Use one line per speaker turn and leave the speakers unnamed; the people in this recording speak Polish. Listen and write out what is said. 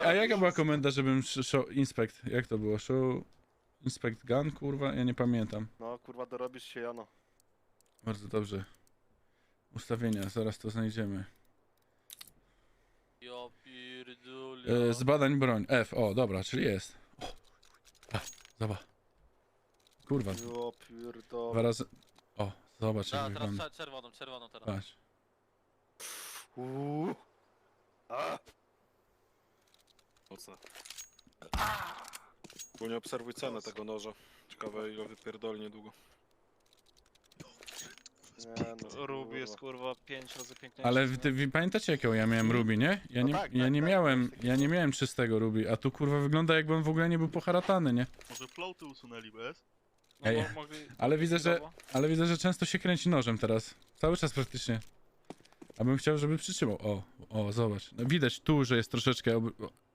A jaka była komenda, żebym show inspect? Jak to było? Show inspect gun, kurwa? Ja nie pamiętam.
No kurwa, dorobisz się, Jano.
Bardzo dobrze. Ustawienia, zaraz to znajdziemy.
Ja pierdolę.
Z badań broń. F, o, dobra, czyli jest. O, zobacz. Kurwa,
Ja
dwa
pierdolę.
razy. O, zobacz jak
Teraz
wygląda.
czerwoną teraz.
Patrz.
A!
Mocne. Bo nie obserwuj cenę tego noża. Ciekawe ile wypierdoli niedługo.
Nie, no,
Ruby jest
kurwa.
kurwa 5 razy piękniejszy.
Ale wy pamiętacie jaką ja miałem Ruby, nie? Ja
No
nie,
tak,
ja
tak,
nie
tak,
miałem,
tak.
ja nie miałem czystego Ruby, a tu kurwa wygląda jakbym w ogóle nie był poharatany, nie?
Może floaty usunęli bez?
No,
Ej,
mogli...
ale widzę, że często się kręci nożem teraz. Cały czas praktycznie. A bym chciał, żeby przytrzymał. O, zobacz. No widać tu, że jest troszeczkę